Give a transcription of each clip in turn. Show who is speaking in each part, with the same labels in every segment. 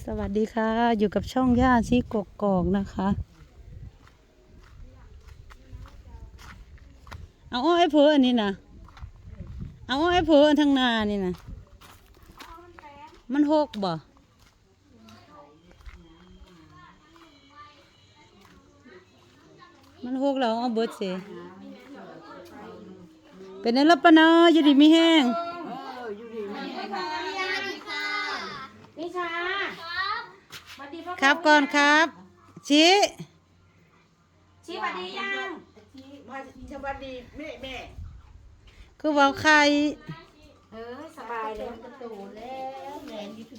Speaker 1: สวัสดีค่ะอยู่กับช่องย่าซีกกอกนะคะเอาอ้อไอ้เผืออันนี้นะเอาอ้อไอ้เผืออันทางนานี่นะมันหกบ่มันหกแล้วเอาเบิดเสียเป็นไงล่ะปะเนาะอยู่ดีมีแห้ง
Speaker 2: นิชาสวัสดีพ่อ
Speaker 1: ครับก่อนครับชี้
Speaker 2: ชี้สวัสดียัง
Speaker 3: สวัสดีแม่
Speaker 1: คือเว่าใคร
Speaker 2: สบายเลย
Speaker 3: โตแล้วแหวนนี่ถึง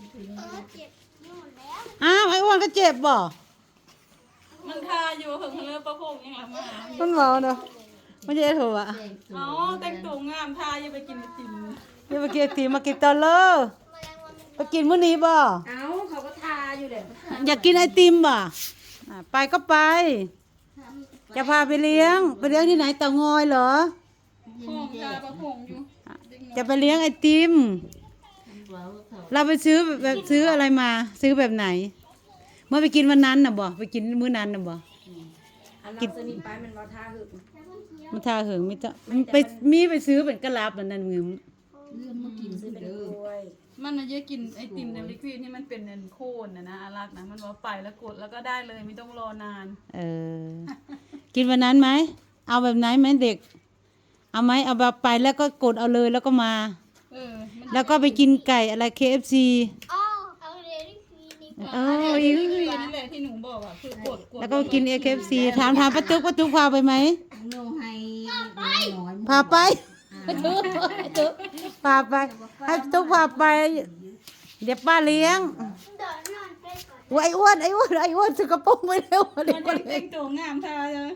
Speaker 1: อ้าวไอ้อ้วนก็เจ็บบ่
Speaker 4: มันทาอยู่ถึงเลือประพงยังละมา
Speaker 1: มันเมาเนาะไม่ใช่เถอะ
Speaker 4: อ๋อแต่งตัวงามทาอย่าไปกินไอติม
Speaker 1: เดี๋ยวมากินไอติมมากินตอนเลอไปกินมื้อนี้บ่
Speaker 2: เอ้าเขาก็ทาอยู่เลย
Speaker 1: อยากกินไอติมบ่ไปก็ไป จะพาไปเลี้ยงที่ไหนเตางอยเหรอ
Speaker 4: พงทาประพงอยู่
Speaker 1: จะไปเลี้ยงไอติม เราไปซื้อแบบซื้ออะไรมา ซื้อแบบไหน เมื่อไปกินวันนั้นน่ะบ่ไปกินมื้อนั้นน่ะบ่
Speaker 2: อันนั้นสนิทไปมันมาทาหึก
Speaker 1: มันทาเหิงมิตรมันไปมีไปซื้อเป็นกะลาบอันนั้นมึง
Speaker 2: ซื้อเป็นกล้วย
Speaker 4: มันน่ะเยอะกินไอติมในลิควิดที่มันเป็นเนโคนนะอารักนะมันว่าไปแล้วกดแล้วก็ได้เลยไม่ต้องรอนาน
Speaker 1: เออ กินวันนั้นไหมเอาแบบไหนไหมเด็ก เอาไหมเอาแบบไปแล้วก็กดเอาเลยแล้วก็มา
Speaker 4: มัน
Speaker 1: แล้วก็ไปกินไก่อะไร KFC
Speaker 5: อ๋อเอาเรียนฟรีดีกว่า
Speaker 1: เอออีก
Speaker 4: ลิควิดนั่นแหละที่หนูบอกอ่ะคือกด
Speaker 1: แล้วก็กิน KFC ถามป้าตุ๊กพาไปไหม
Speaker 3: โนให้น้อย
Speaker 1: พาไปพาไปให้ตุ๊กพาไป เดี๋ยวป้าเลี้ยง
Speaker 5: เดี๋ยวนอนไปก่อน
Speaker 1: โอ้ยไอ้อ้วนสกปรกไปเร็วเด็ก
Speaker 4: มัน
Speaker 1: คน
Speaker 4: จะ
Speaker 1: เล็
Speaker 4: แต่
Speaker 1: ก
Speaker 4: งตัวงามทาเลย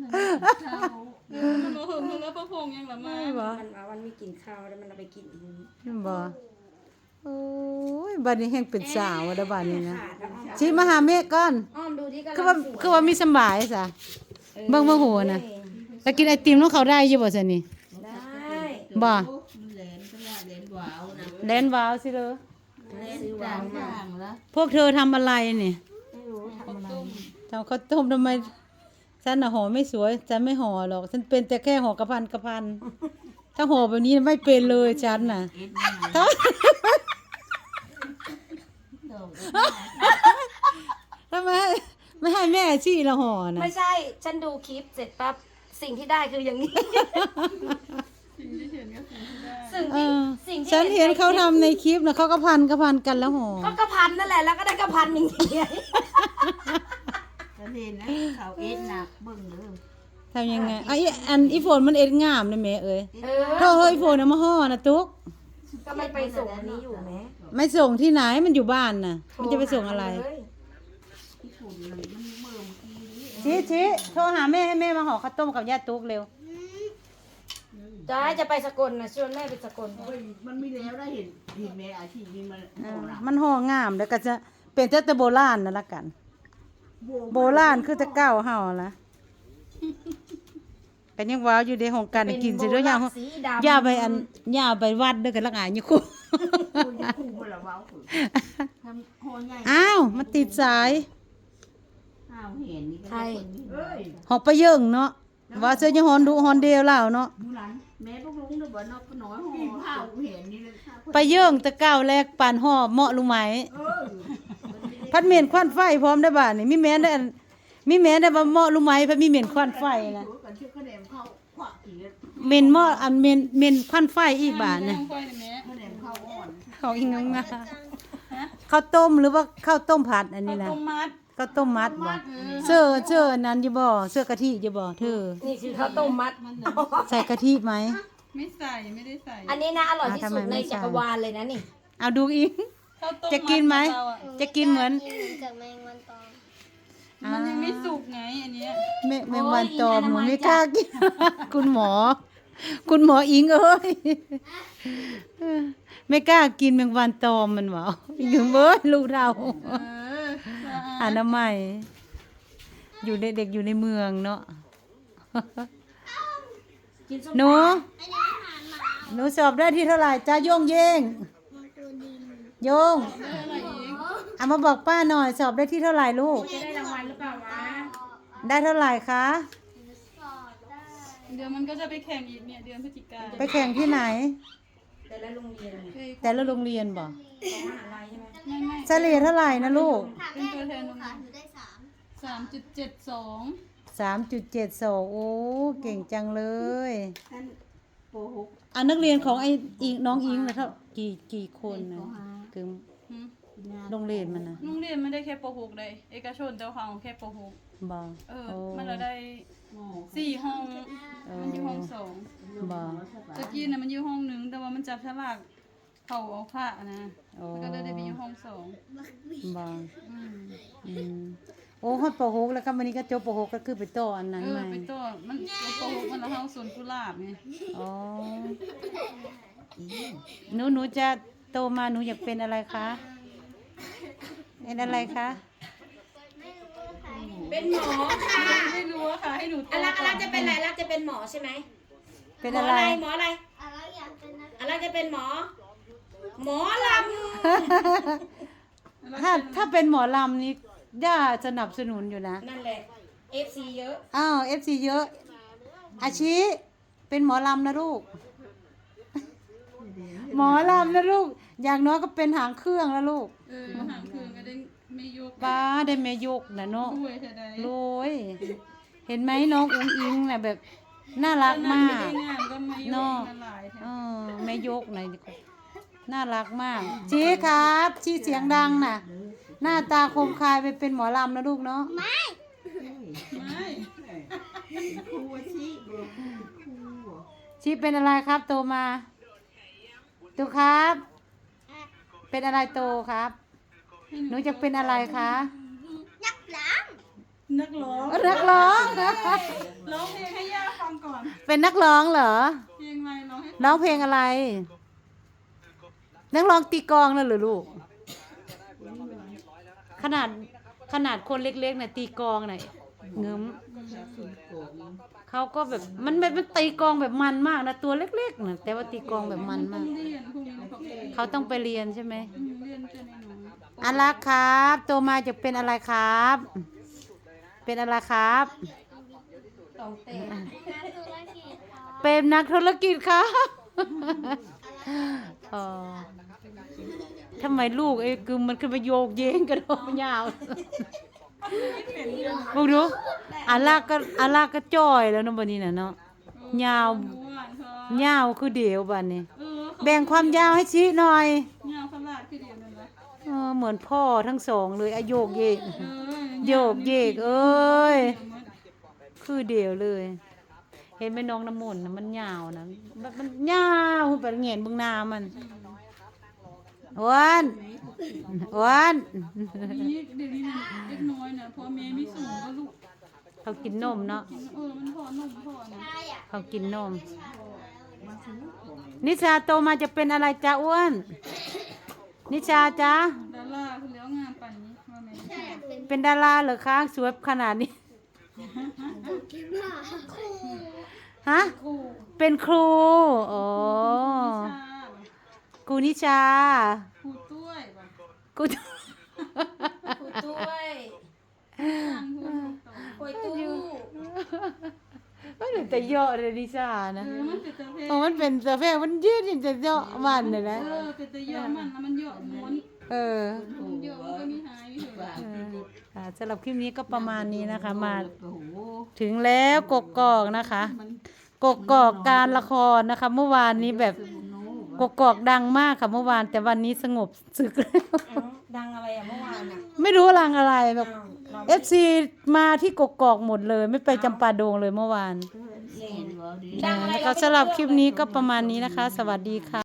Speaker 4: มันมาถึงแล้วประพงยังละมา
Speaker 2: มันไม่กินข้าวแล้วมันเอาไปกินอีก
Speaker 1: บ่โอ้ยบ้านนี้แห้งเป็นสาวแล้วบ้านนี้นะ
Speaker 2: ขาดแล้วอ้อม
Speaker 1: ชี้มาหาเมฆก่อน
Speaker 2: อ้อมดูที่กำลัง
Speaker 1: คือว่ามีสำบายซะเบิ่งหัวนะแล้วกินไอติมของเขาได้อยู่บ่ซะนี่
Speaker 2: ได้
Speaker 1: บ่
Speaker 3: แหลนก็ว่าแหลนหวาวนะ
Speaker 1: แลนว้าวสิเด้อ
Speaker 2: ซื้อวางมา
Speaker 3: ต่างแล้ว
Speaker 1: พวกเธอทำอะไรนี่
Speaker 2: ไม่รู้ทำอะไร
Speaker 1: ทำข้าวต้มทำไมฉันน่ะห่อไม่สวยฉันไม่ห่อหรอกฉันเป็นแต่แค่ห่อกระพันถ้าห่อแบบนี้ไม่เป็นเลยฉันน่ะถ้าทำไมไม่ให้แม่ชี้ละห่อนะ
Speaker 2: ไม่ใช่ฉันดูคลิปเสร็จปั๊บสิ่งที่ได้คืออย่างนี้ สิ่ง
Speaker 1: เอ
Speaker 2: ที่
Speaker 1: อ
Speaker 2: สิ่งที่
Speaker 1: ฉันเห็นเขาทำในคลิปนะเขาก็พันกันแล้วห่อ
Speaker 2: ก็กระพันนั่นแหละแล้วก็ได้กระพันอย่างนี้
Speaker 3: จะเห็นนะเขาเอ็ดหนักเบิ่งเลย
Speaker 1: ทำยังไงอันอีโฟนมันเอ็ดงามนะแม่เอ้ย
Speaker 2: เอ
Speaker 1: โทษเฮ้ยอีโฟนนะมาห่อนะตุ๊ก
Speaker 2: ก็ไม่ไปส่งอันนี้อยู่ไหม
Speaker 1: ไม่ส่งที่ไหนมันอยู่บ้านน่ะ มันจะไปส่งอะไร
Speaker 2: โทหาเลย
Speaker 3: ที่ฝุ่นเลยมันเมื่อกี้นี้
Speaker 1: ชี้โทรหาแม่ให้แม่มาห่อข้าวต้มกับย่าตุ๊กเร็ว
Speaker 2: จะไปสกลนะชวนแม่ไปสกล
Speaker 3: มันมีแล้วได้เห็นแม่อาชีพนี้มันหนัก
Speaker 1: มันห่องามแล้วก็จะเป็นแต่โบราณนั่นละกัน โบราณคือแต่เก้าเฮาละกันยังว้าวอยู่ในห้องการกินสิเด้อย่า
Speaker 2: เป็นโบราณสีดำ
Speaker 1: ย่าไปย่าไปวัดเด้อกันละอายอยู่คู่
Speaker 3: คุณจะคู่คนละว้าวคือทำหัวใหญ่
Speaker 1: อ้าวมันติดสาย
Speaker 3: อ้าวเห็นนี่ก็คนนี้เอ้ย
Speaker 1: หอกไปเยิ่งเนาะว่าเสื้อยังฮอนดูฮอนเดียวแล้วเนาะ
Speaker 3: มูหลานแม่พวกลุงเด้อบ่เนาะน้อยห่อข้าวเห็นนี่เลย
Speaker 1: ไปเยิ่งแต่เก้าแรกปานห่อเหมาะรู้ไหม พัดเมียนควันไฟพร้อมได้บ่านี่มีแม่นได้ว่าเหมาะรู้ไหมพัดมีเมียนควันไฟนะ
Speaker 3: กันชื่อคะแนนเข้าขวากี่
Speaker 1: เมียนเหมาะอันเมียนควันไฟอีกบ่านี่
Speaker 4: ค่อยๆแม่
Speaker 3: คะแนนเข้าอ่อน
Speaker 1: ของอีกงงาข้าวต้มหรือว่าข้าวต้มผัดอันนี้นะ
Speaker 4: ต้มมัด
Speaker 1: ข้าวต้มมัดบ่เสื้ออันนั้นอยู่บ่เสื้อกะทิอยู่บ่เธอ
Speaker 2: นี่คือข้าวต้มมัด
Speaker 1: ใส่กะทิไหม
Speaker 4: ไม่ใส่ไม่ได้ใส่
Speaker 2: อันนี้นะอร่อยที่
Speaker 1: ทำไม
Speaker 2: สุด
Speaker 1: ไม่
Speaker 2: ใน
Speaker 1: ใส่
Speaker 2: จักรวาลเลยนะนี่
Speaker 1: เอาดูอีก
Speaker 4: ข้าวต้ม
Speaker 1: จะกินไหม
Speaker 4: ดของเราอะ
Speaker 1: จะกินเหมือน
Speaker 5: จากแมงวันตอม
Speaker 4: มันยังไม่สุกไงอันเนี้ย
Speaker 1: แมงวันตอมหนูไม่กล้ากิน คุณหมออิงเอ้ยไม่กล้ากินแมงวันตอมมันว่าอยู่เบ้ยลูกเรา อนามัยอยู่ในเด็กอยู่ในเมืองเนาะ
Speaker 2: กินส้ม
Speaker 1: หนู
Speaker 5: อันนี้อาหารหมา
Speaker 1: หนูสอบได้ที่เท่าไหร่จ้าโยงเยง
Speaker 5: ตัวดิน
Speaker 1: โยง
Speaker 4: อะไรอีก
Speaker 1: เอามาบอกป้าหน่อยสอบได้ที่เท่าไหร่ลูก
Speaker 2: จะได้รางวัลหรือเปล่าวะ
Speaker 1: ได้เท่าไหร่คะ
Speaker 5: สอบได้
Speaker 4: เดี๋ยวมันก็จะไปแข่งอีกเนี่ยเดือนพฤศจิกา
Speaker 1: ไปแข่งที่ไหน
Speaker 2: แต่ละโรงเรียนเนี่ย
Speaker 4: เคย
Speaker 1: แต่ละโรงเรียนบ่
Speaker 2: ของมหาลัยใช่ไหม
Speaker 4: ไม่
Speaker 1: เฉลี่ยเท่าไหร่นะลูก
Speaker 5: ถามแม่หนูค่ะหนูได้สาม
Speaker 4: 3.72
Speaker 1: 3.72โอ้เก่งจังเลย
Speaker 3: ท่านโปหก
Speaker 1: อ่ะนักเรียนของไอ้อีน้องอิงนะเท่ากี่คนนะคือ
Speaker 4: หืม
Speaker 1: โรงเรียนมันนะ
Speaker 4: โรงเรียนไม่ได้แค่ป .6 เลยเอกชนแต่ว่าของแค่ป .6
Speaker 1: บ่
Speaker 4: เออ
Speaker 1: โอ้
Speaker 4: มันละได้
Speaker 3: โง่
Speaker 4: 4 ห้อง
Speaker 1: โอ้
Speaker 4: มันอยู่ห้องสอง
Speaker 1: บ่
Speaker 4: ตะกี้น่ะมันอยู่ห้องหนึ่งแต่ว่ามันจับฉลากเขาเอาผ้านะ
Speaker 1: โอ้
Speaker 4: มันก็เลยได้ไปอยู่ห้องสอง
Speaker 1: บ่
Speaker 4: อืม
Speaker 1: อืมโอ้ฮอดป .6 แล้วก็วันนี้ก็จบป .6 ก็คือไปต่ออันนั้น
Speaker 4: เอ
Speaker 1: ให
Speaker 4: อ
Speaker 1: ม่
Speaker 4: ไปต่อมันป .6 มันละห้องสวนกุหลาบไง
Speaker 1: อ๋อหนูจะโตมาหนูอยากเป็นอะไรคะเป็นอะไรคะ
Speaker 2: เป็นหมอค่ะ
Speaker 4: ไม่รู้อะค่ะให้หนูโต
Speaker 2: อลัก
Speaker 4: ก่
Speaker 2: จะเป็นอะไรอลักจะเป็นหมอใช่ไหม
Speaker 1: เป็น
Speaker 2: หมอ
Speaker 1: อะไร
Speaker 2: อะไรหมออะไร
Speaker 5: อะไรอยากเป็นนัก
Speaker 2: อลักจะเป็นหมอ หมอล
Speaker 1: ถ้าเป็นหมอลำนี่ย่าสนับสนุนอยู่นะ
Speaker 2: ำนั่นแหละ FC เยอะ
Speaker 1: อ้าว FC เยอะ อาชีเป็นหมอลำนะลูก หมอลำนะลูก อย่างน้อยก็เป็นหางเครื่องแล้วลูก
Speaker 4: เออหางคืนก็ได้ไม่ยก
Speaker 1: ป้าได้แม่ยกนะเนาะ
Speaker 4: ด้วยเธอได้
Speaker 1: โรยเห็นไหมน้องอุ้งอิงน่ะแบบน่ารักมาก
Speaker 4: ไม่ได้งานก็ไม่ยก
Speaker 1: เนาะ
Speaker 4: มันหลายแถ
Speaker 1: เอ
Speaker 4: ว
Speaker 1: อแม่ยกหน่อยดีกว่าน่ารักมากชี้ครับชี้เสียงดังน่ะ หน้าตาคมคายไปเป็นหมอลำนะลูกเนาะ
Speaker 4: ไม่
Speaker 3: ครูชี้บอกครูบอก
Speaker 1: ชี้เป็นอะไรครับโตมาโตครับ เป็นอะไรโตครับ หนูจะเป็นอะไรคะ
Speaker 5: นักล้าง
Speaker 4: นักร้อง
Speaker 1: นักร้อง
Speaker 4: ร้องเพลงให้ย่าฟังก่อน
Speaker 1: เป็นนักร้องเหรอ
Speaker 4: เพลงอะไรร้องให้
Speaker 1: ร้องเพลงอะไร นักร้องตีกลองนั่นเหรือลูก ขนาดคนเล็กๆน่ะตีกลองน่ะเงิม
Speaker 3: โกง
Speaker 1: เขาก็แบบมันตีกลองแบบมันมากนะตัวเล็กๆน่ะแต่ว่าตีกลองแบบมันมาก
Speaker 4: เรียนพรุ่งนี้เขาเรียน
Speaker 1: เขาต้องไปเรียนใช่ไหม
Speaker 4: เรียนเจนในหนู
Speaker 1: อารักครับโตมาจะเป็นอะไรครับ เป็นอะไรครับ
Speaker 2: ต้องเต้น
Speaker 5: นักธุรกิจค่ะ
Speaker 1: เป็นนักธุรกิจครับอ๋อทำไมลูกไอ้กึมมันขึ้นมาโยกเย้งกันโดดยาวพวกดูอาลากก็จ้อยแล้วเนาะบัดนี้น่ะเนาะยาว
Speaker 4: หวานเขา
Speaker 1: ยาวคือเดียวบัดนี้
Speaker 4: เออเขา
Speaker 1: แบ่งความยาวให้ชี้หน่อย
Speaker 4: ยาวขนาดคือเดียวนั่นแหละ
Speaker 1: เหมือนพ่อทั้งสองเลยอะโยกเยก
Speaker 4: เออ
Speaker 1: โยกเยกเอ้ยคือเดียวเลย เห็นไหมน้องน้ำมนต์น่ะมันยาวนะแบบมันยาวไปเงียนเบึงหนามันอ้วนอ้วน
Speaker 4: นี่เดี๋ยวนี้มันเล็กน้อยนะพอแม่ไม่สูงก็ลูก
Speaker 1: เขากินนมเนาะ
Speaker 4: มันพอนมพอนะ
Speaker 1: เขากินนม นิชาโตมาจะเป็นอะไรจ้าอ้วน นิชาจ้า
Speaker 4: ดาราคือแล้วงานปั่นนี้ว่าแม่
Speaker 1: เป็นดาราเหรอคะสวยขนาดนี้ ฮะ
Speaker 4: ครู
Speaker 1: เป็นครูอ๋อ
Speaker 4: ชา
Speaker 1: ครูนิชา
Speaker 4: ครูตุ้ยว่ะ
Speaker 1: ครู
Speaker 2: ครูตุ้ย
Speaker 4: ทางครู
Speaker 2: ครูตู้
Speaker 1: มันเป็นแต่เยอะเลยนิชานะ
Speaker 4: มันเป็นตะเพ
Speaker 1: เพราะมันเป็นสะเพงมันยืดมันจะเยอะมันเลยนะ
Speaker 4: เป็นตะเยอะมันแล้วมันเยอะม้วน
Speaker 1: เออ
Speaker 4: มันเยอะมันก็มีหายไม่ถึง
Speaker 1: ค่ะสำหรับคลิปนี้ก็ประมาณนี้นะคะ มา
Speaker 3: โอ้โห
Speaker 1: ถึงแล้วกกอกนะคะ กกอกการละครนะคะ เมื่อวานนี้แบบกกอกดังมากค่ะเมื่อวานแต่วันนี้สงบศึก
Speaker 2: ดังอะไรอ่ะเมื่อวานอ่ะ
Speaker 1: ไม่รู้รังอะไรแบบ
Speaker 2: เรา
Speaker 1: FC มาที่กกอกหมดเลย ไม่ไปจำปาดงเลยเมื่อวาน
Speaker 3: เล่นเหรอดี
Speaker 2: ดังอะไร
Speaker 1: ก็สำหรับคลิปนี้ก็ประมาณนี้นะคะ สวัสดีค่ะ